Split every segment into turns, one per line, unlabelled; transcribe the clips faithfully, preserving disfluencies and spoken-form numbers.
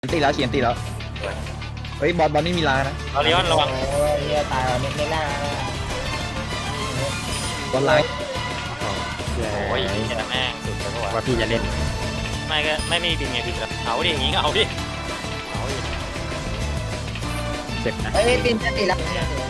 ตีแล้วเฉียนตีแล้วเฮ้ยบอลบอลไม่มีลานะ
เราเลี้ยนระวัง
โอ้ยเฮียตายว่ะเม็ดไม่ล่า
บอลไลน์
โอ้ยเจ้าแม่งสุดแล้วก็
ว่าพี่จะเล่น
ไม่ก็ไม่ไม่บินไงบินแล้วเอาดิอย่างงี้ก็เอาดิเอาดิ
เจ็บนะ
เอ้ยปินจะติดแล้ว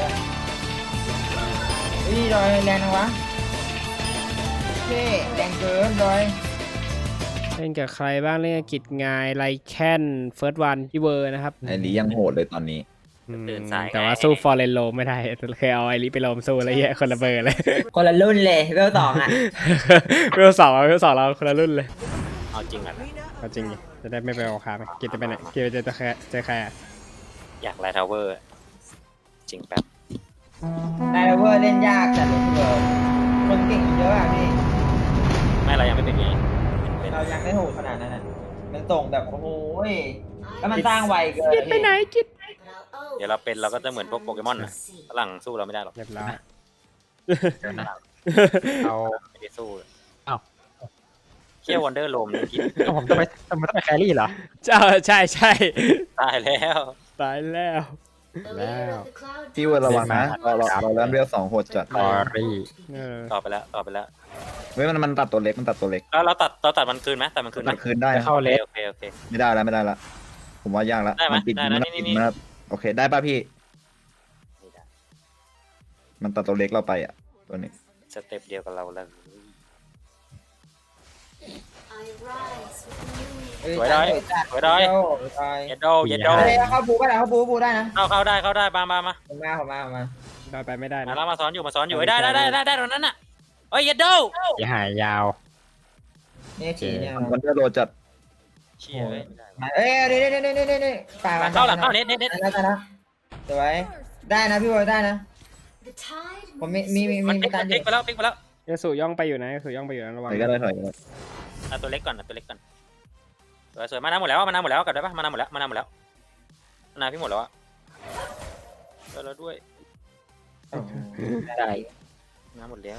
นี่ดอยแรงนะวะเท่แรงเกินดอย
เล่นกับใครบ้างเล่นกับกิจงายไลแคนเฟิร์สวันพี่เวอร์นะครับ
ไอ้ลียังโหดเลยตอนนี้
อืมแต่ว่าสู้ฟอร์เรนโลไม่ได้เคยเอาไอริไปโลมสู้แล้วแย่คนละเบอร์เลย
คนละรุ่นเลยเวลสองอ่ะ
เวลสองเวลสองเราคนละรุ่นเลย
เอาจริงอ่ะ
เอาจริงดิจะได้ไม่ไปเอาคาไปกิจจะไปไหนกิจจะเจอใครเจอใครอ่ะ
อยากไลท์ทาวเวอร์จริงแป๊บ
นายเวอร์เล่นยากจัดเลยเวอร์คนเก่งเยอะอ่ะพี่
ไม่เรายังไม่เป็นไงเป็น
เรายังไม่โหดขนาดนั้นอ่ะมันส่งแบบโอ้โหแล้วมันสร้างไวเกิน
กิจไปไหนกิจ
เดี๋ยวเราเป็นเราก็จะเหมือนพวกโปเกมอนนะฝรั่งสู้เราไม่ได้หรอก
เรียบร้อย
เดี๋ยวนะเอา
ไม่ได้สู้
อ้าว
เคี่ยววันเดอร์โลมนี่คิด
เอาผมต้องไปต้องไปต้องไปแครี่เหรอ
เจ้าใช่ใช่
ตายแล้ว
ตายแล้ว
แล้ว
พี่เวอร์ระวังนะเราเราเราเล่นเรียวสองโหดจัด
คอรี่
เออ
ต่อไปแล้วต่อไปแล้ว
เฮ้ยมันมันตัดตัวเล็กมันตัดตัวเล็ก
แล้วเราตัดเราตัดมันคืนไหมตัดมันคืนไหม
ตัดคืนได้
จะ
นะ
เข้าเลส
โอเคโอเค
ไม่ได้แล้วไม่ได้ละผมว่ายากละ
ได้ไหม
มันติด
ได้
มัน
ได้
ติด
นี่
มันโอเคได้ป่ะพี่
ไม่ได้
มันตัดตัวเล็กเราไปอ่ะตัวนี้
สเต็ปเดียวกับเราแล้ว สวยดอยสวยดอย เยดโดเยดโด
เฮ้ยเข้าบูก็ได้เข้าบูบูได้นะ
เข้าเข้าได้เข้าได้มามามา
ผมมาผมมาผมมา
ได้ไปไม่ได้
มา
นะ
แล้วมาซ้อนอยู่มาซ้อนอยู่เอ้ยได้ได้ได้ได้ได้ตรงนั้นน่ะเอ้ยเยดโด
อย่าหายยาว
เนี่ยขี่เนี่ย
มันเดอร์โรจัด
เชี่ยเว้ยไม่ได้
เอ้ยเดี๋ยวเดี๋ยวเดี๋ยวเดี๋ยวเดี๋ยวป่า
หลังเข้าหลังเข้าเน็ตเน็ตเน็ต
ได้แล้วสวยได้นะพี่วอลได้นะผมมีมีมี
มัน
มี
พลิก
การ
พลิกไปแล้วพลิกไปแล้ว
เอสูย่องไปอยู่นะเอสูย่องไปอยู่นะระวัง
ถอยก็ได้ถอยก็ได้
เอาตัวเล็กก่อนเอาตัวเล็กก่อนสวยสวยมานาหมดแล้วมานาหมดแล้วกลับได้ปะมานาหมดแล้วมานาหมดแล้วมานาพี่หมดแล้วอะได้แล้วด้วย
ได้
มานาหมดแล้ว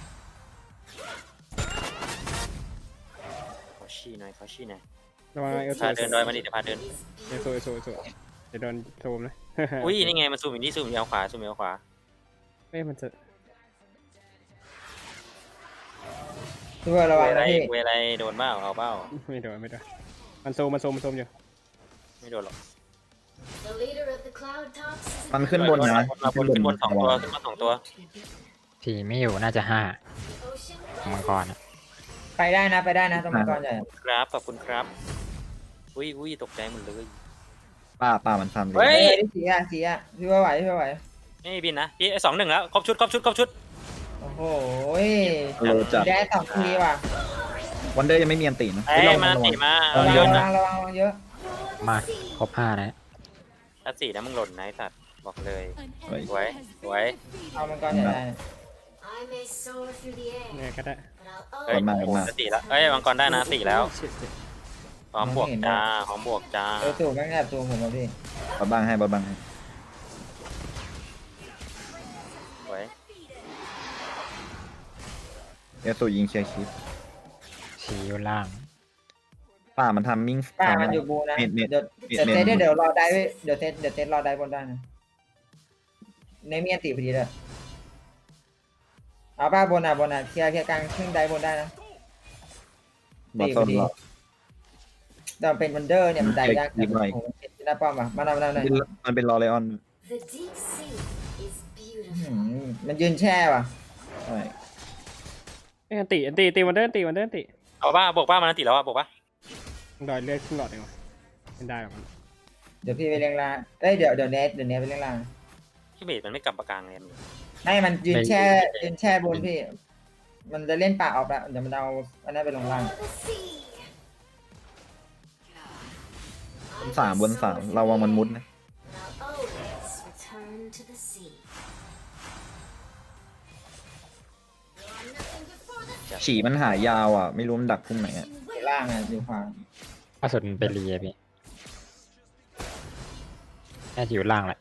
ขอชี้หน่อยขอชี้หน่อย
ระวังเอสู
พาเดินดอยมาดิเดี๋ยวพาเดิน
เอสูเอสูเอสูเดี๋ยวโดนโซมนะ
อุ้ยนี่ไงมันซูมอยู่นี่ซูมอยู่เอาขวาซูมอยู่เอาขวา
เอ้ยมันจะ
พี่วอลระ
เว
วัง
อะไร
นะพี่
เวอะไรโดนเบ้าเอาเบ้า
ไม่โดนไม่โดนมันโซมมันโซมมันโซมอยู่
ไม่โดนหรอก
มันขึ้นบนนะ
เราบนขึ้นบนสองตัวขึ้นบนสองตัว
ทีไม่อยู่น่าจะห้ามังกรอะ
ไปได้นะไปได้นะตรงมังกรใหญ่
ครับขอบคุณครับอุ้ยอุ้ยตกใจหมดเลย
ป้าป้ามันทำเล
เฮ้
เฮ้
ย
ยสีอ่ะสีอ่ะพี่วอลไหวพี่วอลไหว
ไม่มีบินนะพี่สองหนึ่งแล้วครบชุดครบชุดครบชุด
โอ้โห
โรจัด
ได้สองทีว่ะ
วันเดอร์ยังไม่มีอันตีนะ
เอ้ยมาตีมา
ระ
เย
วั
อะ
งระ
นะ
วังระวังระวังเยอะ
มาครบห้านะ
ถ้าสี่นะมึงหล่นนะไอ้สัตว์บอกเลย
เฮ้ย
สวยสวย
เอามังกรใหญ่ได้
เนี่ยก็ได้
เฮ้ยถ้าสี่แล้วเอ้ยมังกรได้นะสี่แล้วพร้อมบวกจ้าพร้อมบวกจ้า
เออสูงแม่งแอบสูงผมมาพี่
บอลบ้างให้บอลบ้างให้
สวย
เอลสูยิงเคลียร์คลิป
สีอยู่ล่าง
ป้ามันทำมิ่ง
ป้ามันอยู่บูนะ
เน็ตเน็ต
เดี๋ยวเดี๋ยวเทสเดี๋ยวรอได้เดี๋ยวเทสเดี๋ยวเทสรอได้บนได้นะในมีอันตีพอดีเลยเอาป้าบนอ่ะบนอ่ะเคลียร์เคลียร์กลางครึ่งได้บนได้นะ
บอลโซนหรอ
แต่เป็นวันเดอร์เนี่ยมันได้ยากแต่ผมเห็นที่หน้าป้อมอ่ะมาเอามาเอาหน่อย
มันเป็นรอเลออน
มันยืนแช่ว่ะ
ใช่
เอ้ยอันติอันติตีวันเดอร์อันติวันเดอร์อันติ
เอาป้าบวกป้ามันตีแล้วอ่ะบวกป้า
ดอยเลือดขึ้นหลอดเองวะไม่ได้หรอกมัน
เดี๋ยวพี่ไปเลี้ยงล่างเอ้ยเดี๋ยวเดี๋ยวเนทเดี๋ยวเนทไปเลี้ยงล่าง
พี่เบสมันไม่กลับปากกลางเลยมัน
ให้มันยืนแช่ยืนแช่บนพี่ มันจะเล่นป่าออกแล้วเดี๋ยวมันเอาอันนั้นไปลงล่าง
บนสามบนสามเราวางมันมุดนะฉี่มันหายาวอ่ะ ไม่รู้มันดักพุ่มไหนอ่ะ
ล่างอ่ะอยู่ขวา
ล่าสุดมันไปเรียพี่น่าจะอยู่ล่างแหละ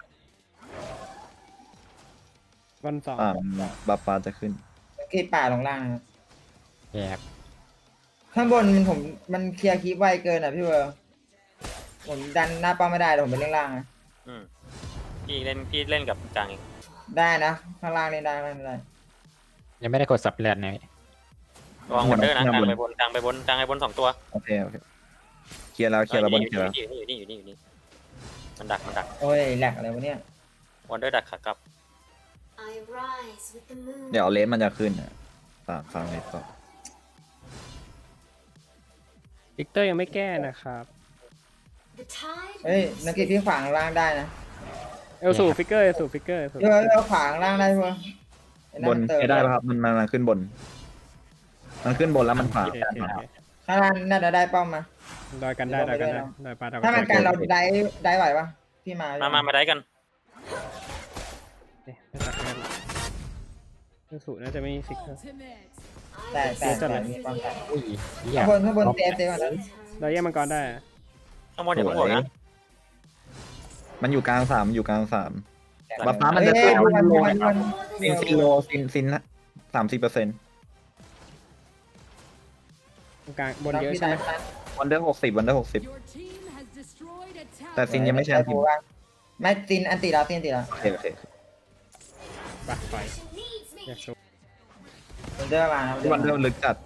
วันสอง
อ่าบาปาจะขึ้น
คือป่าลงล่างนะ
แยก
ข้างบนมันผมมันเคลียร์คีบไวเกินอ่ะพี่เวอร์ผมดันหน้าป้อมไม่ได้เดี๋ยวผมไปเล่นล่างนะ
อืมพี่เล่นพี่เล่นกับกลางเอง
ได้นะข้างล่างเล่นได้ข้างล่างเล่นได้
ยังไม่ได้กดสับเลือดนะพี่
ระวังวันเดอร์นะกลางไปบนกลางไปบนกลางไปบนสองตัว
โอเคโอเคเคลียร์แล้วเคลียร์แล้วบนเคลียร์แล้ว
อยู่นี่อยู่นี่อยู่นี่อยู่นี่มันดักมันดัก
โอ้ยแหลกอะไรวะเนี่ย
วันเดอร์ดักขากลับ
I rise with the moon.
เดี๋ยวเลนมันจะขึ้นอะฝากฟังเลยต่อ
วิกเตอร์ยังไม่แก้นะครับ
The tide
เฮ้ย
moves
นักกีฬาพี่ขวางล่างได้นะ
เอลสูฟิกเกอร์เอลสูฟิกเกอร์
เดี๋ยวเราขวางล่างได้พวกไอ้
บน
มัเติม
ใช้ได้ป่ะครับมันมันมันขึ้นบน มันขึ้นบนแล้วมันขวาง
ข้างล่างน่าจะได้ป้อมมา
ดอยกันได้ดอยกันได้ดอยปลาดอย
ถ้ามันกันเราได้ได้ไหวปะพี่มา
มามามาได้กัน
เอ๊ะไม่ตัดกันเอลสูน่าจะไม่มีฟิกเกอร์
แต่แต่แต่มีป้อมแต่
อุ้ยเหี้ย
ข้างบนข้างบนเซฟเซฟก่อนนะ
ดอยแย่มังกรได้
ข้างบนอย่าเพิ่งห่วงนะ
มันอยู่กลางสามมันอยู่กลางสามบัฟฟ้ามัน
เอ้
จะ
ยดูมันดูมันดูมัน
ซินซินโลซินซินสามสิบเปอร์เซ็นต์
ตรงกลางบนเยอะใช่ไหม
วันเดอร์หกสิบวันเดอร์หกสิบ แต่ซินยังไม่ใช่ทีม
ไม่ซินอันติแล้วซินอันติแล้ว
โอเคโอเค
ปะไป
needs me.
อยากสู้
วันเดอร์มานะ
วันเดอร์ลึกจัด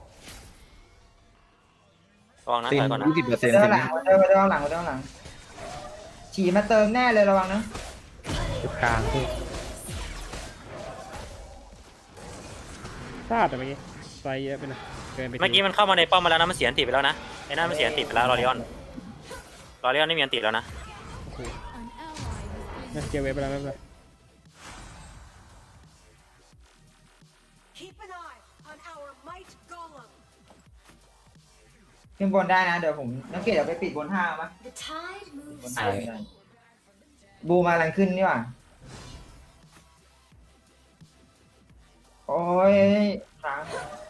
ระวังนะ
ซิน
ถอยก่อนนะ
ยี่สิบเปอร์เซ็น
วัน
ต์
เดอ
ซิ
ร์
น
หลังวันเดอร์วันเดอร์หลังวันเดอร์หลังฉี่มาเติมแน่เลยระวังนะ
จุดกลางพี่
พลาดแต่เมื่อกี้ไฟเยอะไปหน่อยเกินไป
เมื่อกี้มันเข้ามาในป้อมมาแล้วนะมันเสียอันติไปแล้วนะไอ้นั่นมันเสียอันติไปแล้วลอริออนลอริออนไม่มีอันติแล้วนะ
นะเกียร์เวฟไปแล้วไม่เป็นไร
Keep an eye on our might golem.
ขึ้นบนได้นะเดี๋ยวผมนักเกียรติเดี๋ยวไปปิดบนห้างมั้ย
The tide
บน
moves
ห้างไม่ได้บูมาลังขึ้นนี่หว่าโอ้ยค้าง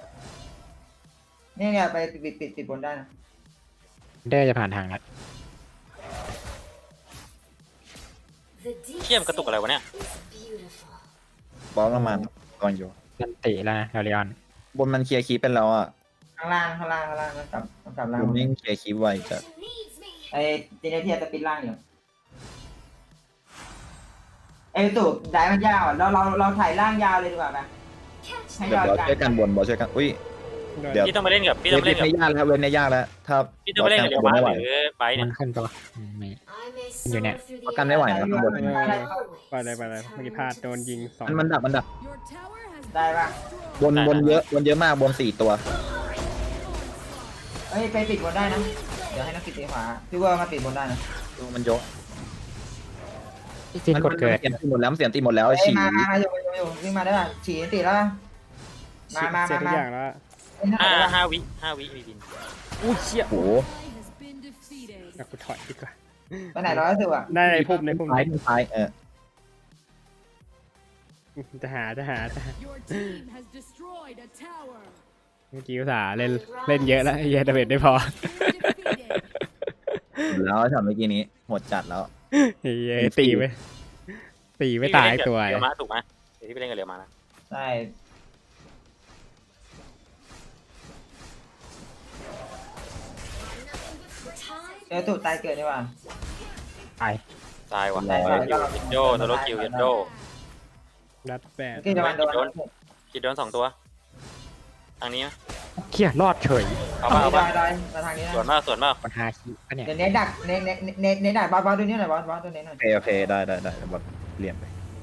นี่เนี่ยไปปิดปิดปิดบนได้นะ
เดอร์จะผ่านทางแล้ว
The deep
เชี่ยมนกระตุกอะไรวะเนี่ย
is beautiful.
บอลประมาณก่อนอยู่
ยันติแล้วนะลาริออน
บนมันเคลียร์คีปเป็นแล้วอ่ะ
ข้างล่างข้างล่างข้างล่างนะกลับกลับล่าง
บนยิ่งเคลียร์คีปไวจัด
She needs me.
ไอ้เจเนเทียจะปิดล่างอยู่ไอ้ตูดได้มันยาวอ่ะเราเราเราถ่ายล่างยาวเลยดีกว่าไหม
Catch
ให้
เดี๋ย
ยาว ว
บอลช่วยกันบนบอลช่วยกันอุ้ย
ดอย
เดี๋ยว
พี่ต้องไปเล่นกับพี่
เว
ต้อง
น
ไปเล่นกับ
ไม่ยากแล้วเวนไม่ยากแล้วถ้า
พี่ต้องไปเล่นกับเดี๋ยว
บอ
มา
ลไม่ไหว
หรือไปเนี่
มั
ย
นขึ้นตัวอืมไม่
I may
You're
soar
net.
through the
ประกันไม่ไหวนะข้างบน
ไปเลยไปเลยเมื่อกี้พลาดโดนยิงสอง
มันมันดักมันดัก
ได้ปะ
บนบนเยอะบนเยอะมากบนสี่ตัว
เอ้ยไปปิดบนได้นะเดี๋ยวให้นักปิดตีขวาพี่เวอร์มาปิดบนได้นะ
ดูมันเยอะ
พี่จินกดเกิด
เสียงตีหมดแล้วมันเสียงตีหมดแล้ว
เอ้ย
ฉี่
มามามาอยู่อยู่อยู่วิ่งมาได้ป่ะฉี่ติดแล้วมามา
เสีย
มา
ทุก
มา
อย่างแล้ว
เอ้ย
ห้า
น่าจะได้
ห้าวิห้าวิมีบิน
อุ้ยเชี่ย
โอ้โห
อยากกูถอยดีกว่า
ไปไหนร้อยสิบอ่ะ
ได้ในพุ่มในพุ่ม
ท้ายท้ายเออ
จะหาจะหาจะหา
Your team has destroyed a tower.
เมื่อกี้อุตส่าห์เล่นเล่นเยอะแล้วไอ้เหี้ยดาเมจไม่พอ
You're defeated.
แล้วช็อตเมื่อกี้นี้หมดจัดแล้ว
ไอ้เหี้ยตีไปตีไม่ตายตัว
เรียวมาถูกไหมเดี๋ยวที่ไปเล่นกับเรียวมานะ
ใช่
the tide.
เจอตูดตายเกิดดีกว่า
ไป
ตายว่ะ
ได้ได้
คิวยินโดโซโลคิวยินโด
รัดแปด
เมื่อกี้จะมาโดน
คิดโดนสองตัวทางนี้นะ
เขี้ยรอดเฉย
เอา
เอา
ป่ะ
ไป
เอาป่ะ
ได้มาทางนี้นะ
ส่วนมากส่วนมาก
คนฮาคิปะเนี่ย
เดี๋ยวเน็ตดักเน็ตเน็ตเน็ตเน็ตดักบอสบอสตัวนี้หน่อยบอสบอสตัวนี้หน่อย
โอเคโอเคได้ได้ได้บอลเลี่ยนไป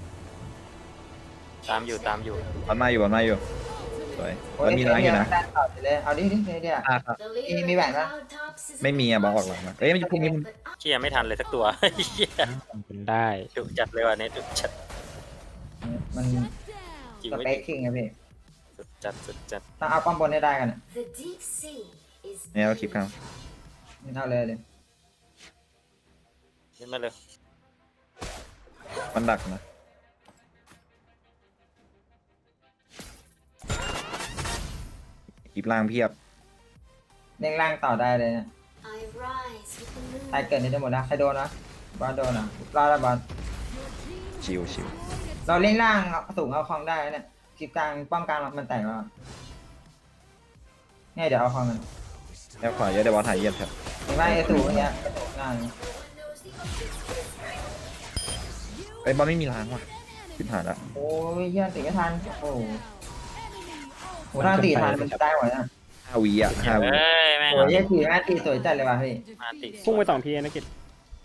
ตามอยู่ตามอยู่
บอลมาอยู่บอลมาอยู่สวยบอลมีล้างอยู่นะ
เลยเอาดิดิเดี๋ยว
อ่ะครับ
The leader
Ini
of
bạn
the
á?
Cloudtops is
ไม่มีอ่ะบอกออกหลังมาเอ้ยมันอยู่พวกนี้มัน
but I
เชี่ยไม่ทันเลยสักตัว เหี้ย
เป็นได้
ดุจัดเลยว่ะเนี่ยดุจัด
มัน
Down.
จริง
ส
ไม่
เป
จ
ค
ริง
คิงอะพี่
สุดจัดสุดจัด
ต้องเอาป้อมบนให้ได้กันอะ
the deep sea is
เนี่ยเอาคลิปครับ
เอาเลยเลย
ขึ้นมาเลย
มันดักนะคลิปล่างเพียบ
เด้งล่างต่อได้เลยเนี่ย
I rise with the moon.
ใครเกิดนี่ได้หมดนะใครโดนนะบอลโดนอ่ะรอดแล้วบอล
ชิวชิว
เราเล่นล่างสูงเอาคลองได้เนี่ยคลิปกลางป้อมกลางมันแตกแล้วเนี่ยเดี๋ยวเอาคลองกัน
แล้วขวาเยอะเดี๋ยวบอลถ่ายเยียบครับ
The
เห็นไหมไอ้สูงอย่างเงี้ยนั่น
ไอ้ยบอลไม่มีล้างว่ะสิบหาละ
โอ้ยเฮียตีไม่ทันโอ้โหโหถ้าตีทันมันจะได้หมดนะ
ห้าวิอ่ะห้าวิ
เอ้ยแม่ง
โอ้ยเฮียตีแม่ตีสวยจัดเลยว่ะพี่
มาติ
พุ่งไปสองทีนะกิจ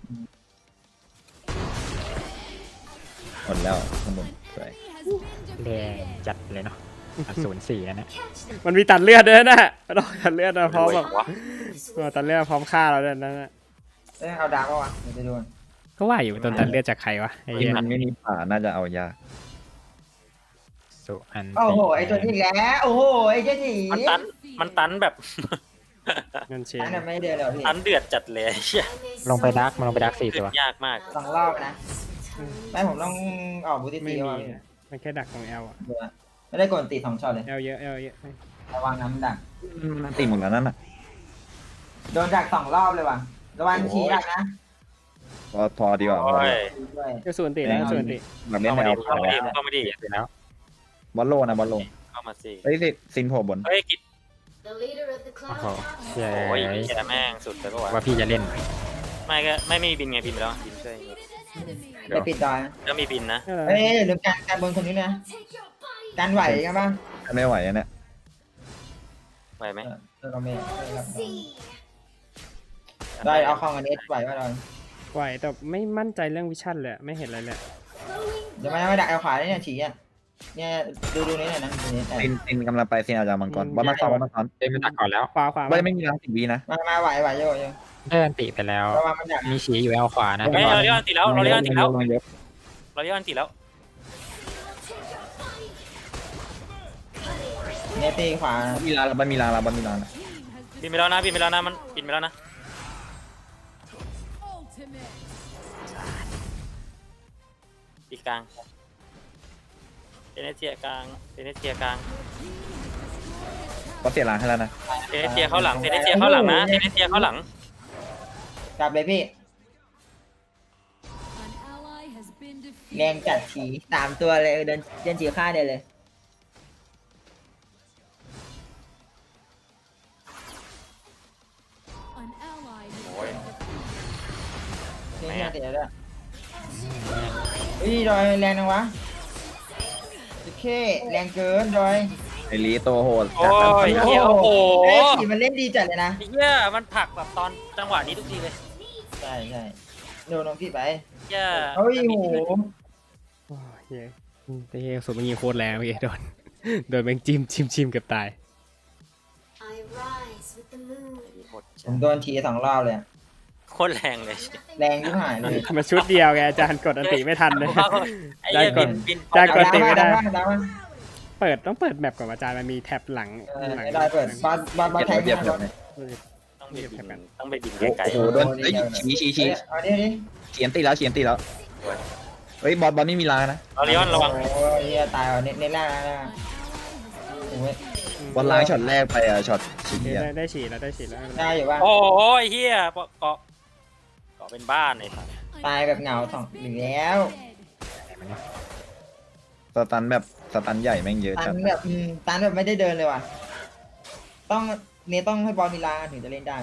หมดแล้วข้างบนสวย
แดงจัดเลยเนาะศูนย์สี่นะ
Catch them.
มันมีตัดเลือดด้วยนะต้องตัดเลือดนะพร้อมแบบ
วะ
This
เออ
will
ตัดเลือดพร้อมฆ่าเราด้วยนั่นนะ
เอ้ยเอาดาบปะวะเดี๋ยวจะโดน
ก็ว่าอยู่ต้นตัดเลือดจากใครวะไอ้
ที่
เหี้ย
มันไม่มีป่าน่าจะเอายาก
สุอัน
โอ้โหไอ้ตัวนี้อีกแล้วโอ้โหไอ้เจ้าหนี
มันตันมันตันแบบ
เงินเชน
อันนั้นไม่เดินเลยพี่
ตันเดือดจัดเลยเชี่ย
I may
ลงไปดักมันลงไปดักสี่
เดื
ตั
อ
ว
ดยากมาก
สองรอบนะ
return
ไม่ผมต้องออกบูติ
ไม่
ตี
มี
ว่ะ
อะมันแค่ดักของแอลอะ
เดี๋ยวนะไม่ได้กดตีสองช็อตเลย
แอลเยอะแอลเยอะ
ระวังน้ำดัก
มันตีหมดแล้วนั่นน่ะ
โดนดักสองรอบเลยว่ะระวังชี้ดักนะ
พอพอดีกว่าพอ
โอ้
ดี
ย
ด้วย
ก็ส่วนติแล้วส่วนติ
แบบเล่น
เข้า
แน
มาว ดิเข้ามาดิเข้ามาดิ
เสร็จแล้ว
บอลโลนะบอลโล
เข้ามาสิ
เฮ้ยสิซินโผล่บน
เฮ้ยกิด
the leader of the
โอ้
cloud
โห
captain
เชี่ย
โอ้ยแกแม่งสุดเลยก็วะ
ว่าพี่จะเล่น
ไม่ก็ไม่มีบินไงบินไปแล้วบินช่วย
ไปปิดดอยนะ
ก็มีบินนะ
เออ
เอ้ยลืมการการบนคนนี้นะ
take your body
การไหวกันบ้าง
ไม่ไหวอะเนี่ย
ไหวไหม
เออเออเราไม่
see
ได้เอาของอันนี้ไหวว่าเรา
ไหวแต่ไม่มั่นใจเรื่องวิชั่นเลยอะไม่เห็นอะไรเลย
เดี๋ยวมันไม่ดักเอาขวาได้เนี่ยฉีอ่ะเนี่ยดูดูนี่หน่อยนะดูนี่แต่
ซินซินกำลังไปซินอาจจะมังกรบอลมาซ้อนบอลมาซ้อน
เล่นมันดักก่อนแล้ว
ขวาขวา
บอลไม่มีล้างสิบวินะ
มามาไหวไหวโยโย่
เดินติไปแล้ว
ระวังมันดัก
มีฉีอยู่แอลขวานะ
เฮ้ยเราเรียกอันติแล้วเราเรียกอันติแล้ว
ลงเยอะ
เราเรียกอันติแล้ว
เนี่ยตีขวา
มีล้างบอลมีล้างแล้วบอลมีล้างแล้ว
บินไปแล้วนะบินไปแล้วนะมันบินไปแล้วนะ
Ultimate.
อีกกลางเอเนเจียกลางเอเนเจียกลาง
บอลเสียล้างให้แล้วนะ
เอเนเจียเข้าหลังเอเนเจียเข้าหลังนะเอเนเจียเข้าหลัง
กลับเลยพี่
An ally has been
แรง
defeated.
จัดฉีสามตัวเลยเดินเดินฉีฆ่าเดียวเลย
An ally has
โอ้ย
นี่เนี่ยตีแล้วด้วยเฮ้ยดอยแรงนังวะโอเคแรงเกินดอย
ไอรีโตโหด
โอ้ยเฮียโอ้โห
เอ้ยฉีมันเล่นดีจัดเลยนะ
ไอ้เฮียมันผลักแบบตอนจังหวะนี้ทุกทีเลย
ใช่ใช่โดนน้องพี่ไป
เฮีย
เฮ้ยโห
โอ้ยเฮ้ยไอ้เหี้ยสุดเมื่อกี้โคตรแรงเมื่อกี้โดนโดนแมงจิ้มจิ้มจิ้มเกือบตาย
I rise with the moon
โคตร
ผมโดนฉีสองรอบเลยอะ
โคตรแรงเลย
แรงที่หายเลย
มาชุดเดียวไงอาจารย์กดอันติไม่ทันเลย
ไอ้เหี้ย
ได้ก่
บิ
อน
นบิน
ได้ก่อน
ดาว
ตีไม่ได้
ดาวดาว
เปิดต้องเปิดแมปก่อนอาจารย์มันมีแท็บหลัง
เออ
หลัง
ได้เปิดบอลบอลบอลแทง
เจ็บ
มา
เจ็
บอบ ล
เนี่ย
ต้องไปบินต้องไปบินไกล
โอ้โหโดนเอ้ยชี้ชี้ชี้
เอาดิดิ
เขียนตีแล้วเขียนตีแล้วเฮ้ยบอลบอลไม่มีล้างนะ
ๆเราเลี้ยนระวัง
โอ้ยเฮียตายว่ะเน้นเน้นล่างนะโอ้ย
บอลล้างช็อตแรกไปอะช็อตชี้
ได้
อะ
ได้ได้ฉีดแล้วได้ฉีดแล้ว
ได้อยู่ว่า
โอ้โหไอ้เฮียเกาะเกาะเป็นบ้านไอ้สัส
ตายแบบเหงาสองหนึ่งแล้ว
สตันแบบสตันใหญ่แม่งเยอะ
ตั
จัด
นแบบอืมตันแบบไม่ได้เดินเลยว่ะต้องเนี่ยต้องให้บอลมีลางถึงจะเล่นได้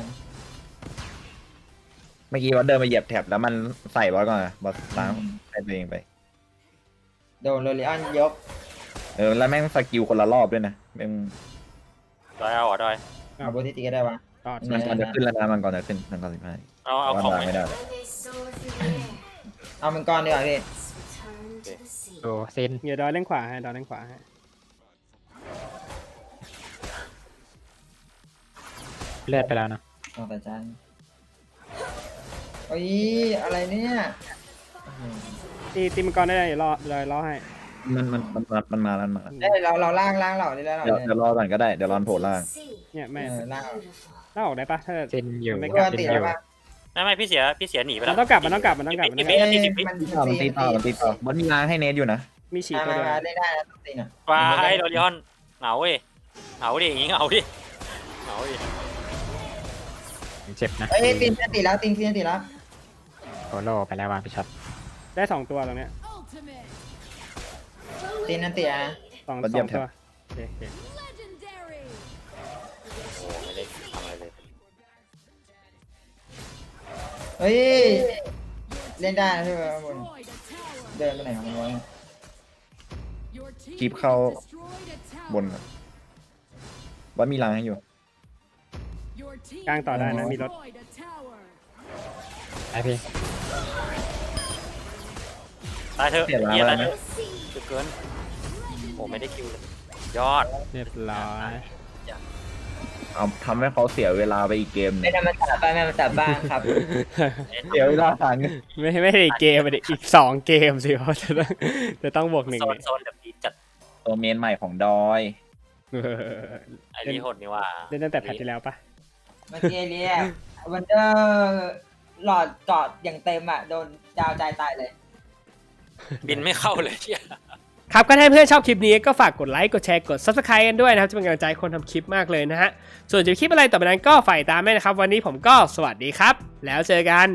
เมื่อกี้ว่าเดินไปเหยียบแท็บแล้วมันใส่บอลก่อนอะบอลล้างให้ตัวเองไป
โดนโรลิออนยก
เออแล้วแม่งสกิลคนละรอบด้วยนะแม่ง
ดอยเอาเหรอดอย
เอาโบติตีก็ได้วะ
ต่อ
มันก่อนจะขึ้นแล้วนะมันก่อนจะขึ้นมันก่อนสิบห้า
เอาเอาของ
ล้าง
ไหม
ไม่ได้
I may soar through the air
เอามังกรดีกว่าพี่
let's return to the sea
โดเซน
เดี๋ยวดอยเล่นขวาให้ดอยเล่นขวาให้
เลือดไปแล้วนะ
เอาแต่จานโอ้ยอะไรเนี่ย
ตีตีมังกรได้เลยเดี๋ยวรอดอยรอให้
มันมันมันมันมันมาแล้วมันมาแล้ว
ได้เราเราล่างล่างเราได้แล้วเรา
เดี๋ยวเดี๋ยวรอก่อนก็ได้เดี๋ยวรอนโผล่ล่าง
sea
เนี่ยแม่
เออล่าง
beautiful
ล่าออกได้ปะถ้า
เซนอยู่
ไม่
โดนตีแล้วป่ะ
ไม่ไม่พี่เสียพี่เสียหนีไป
มั
แล้
น
ว
ต้องกลับมันต้องกลับมันต้องกลับมันต้องกลับ
สิบวินาทีสิบวิ
มัน
ต่อมันตีต่อมันตีต่อบอลมีล้างให้เนทอยู่นะ
มีฉีด
มา
ตัว
มา
เดียว
มาได้ได้นะต้องตีน่ะ
ว้ายโรลิออนเหงาเว้ยเหงาดิอย่างงี้เหงาดิเหงาดิ
เจ็บนะ
เอ้ยตีนตีแล้วตีนตีนตีแล้ว
โคโลไปแล้ววางไปช็อต
ได้สองตัวตรงเนี้ย
Ultimate.
ตีนนั่นตีนะ
สอง
มัน
ส
เยี่
อย
ม
ง
แท็บ
ตัวโอเคโอเค
Legendary.
โอ้ไม่ได้ทำอะไรเลย
ฮ้ยเล่นได้นะใช่ไหมข้างบน
Destroyed a tower.
เดินไปไหนของมันวะ
Your team
คลิปเข้า
has destroyed a tower.
บนอะว่ามีรังให้อยู่
Your team
กลางต่อได้นะ
has
มีรถ
destroyed a tower.
ไอพี่
ตายเถอะ
เสียล้าง
เฮีย
แล้
ตายว เถ
นะ
อะจุดเกินโอ้ไม่ได้คิวเลยยอด
เรียบร้อย
เอาทำให้เขาเสียเวลาไปอีกเกมหนึ
ไม่
ง
นำมาตัดบ้างไม่นำมาตัดบ้างครับ
เสียเวลาหาเงิน
ไม่ไม่ได้อีกเกมอะดิอีกสองเกมสิเพราะจะต้องจะต้องบวกหนึ่ง
โซน
เนี่ย
โซนแบบดีจัด
ตัวเมนใหม่ของดอย
เออ
ไอ้นี่โหดนี่ว่า
เล่นตั้งแต่แพทที่แล้วปะ
เมื่อกี้เรียกวันเดอร์หลอดเกาะอย่างเต็มอ่ะโดนดาวใจตายเลย
บินไม่เข้าเลยเฮีย
ครับก็ถ้าเพื่อนชอบคลิปนี้ก็ฝากกดไลค์กดแชร์กด ซับสไครบ์ กันด้วยนะครับจะเป็นกำลังใจให้คนทำคลิปมากเลยนะฮะส่วนจะมีคลิปอะไรต่อไปนั้นก็ฝ่ายตามแม่นะครับวันนี้ผมก็สวัสดีครับแล้วเจอกัน